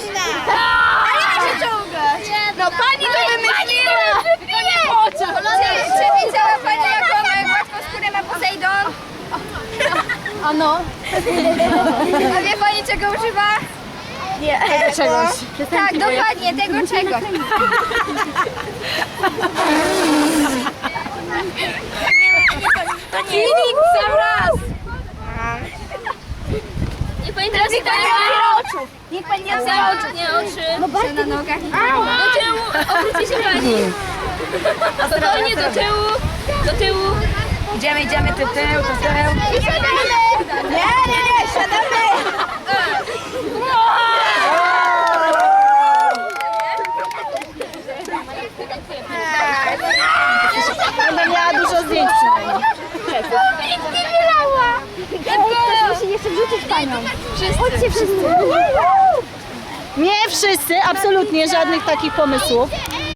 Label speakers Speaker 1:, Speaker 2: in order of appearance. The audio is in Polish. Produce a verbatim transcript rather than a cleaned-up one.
Speaker 1: można! Ale ma się czołgać! No pani to wymyśliła! Czy widziała pani, jaką gładkosskórę ma Posejdon?
Speaker 2: Ano.
Speaker 1: A wie pani, czego używa?
Speaker 2: Nie. Tego czegoś.
Speaker 1: Tak, dokładnie, tego czegoś.
Speaker 2: Filip, sam raz.
Speaker 3: Nie pamiętam,
Speaker 1: Niech pani nie otwiera oczu! Niech pani nie otwiera oczu!
Speaker 3: nie oczy.
Speaker 1: No bardzo na nogach.
Speaker 3: Do tyłu, obróci się pani. Spokojnie do tyłu, do tyłu.
Speaker 2: Idziemy, idziemy, ty tył, ty tył.
Speaker 1: I siadamy! Nie, nie, nie, siadamy!
Speaker 2: Będę miała dużo zdjęć przynajmniej.
Speaker 1: Nie wylała! Ktoś musi jeszcze wrzucić panią. Chodźcie wszyscy.
Speaker 2: Nie wszyscy, absolutnie żadnych takich pomysłów.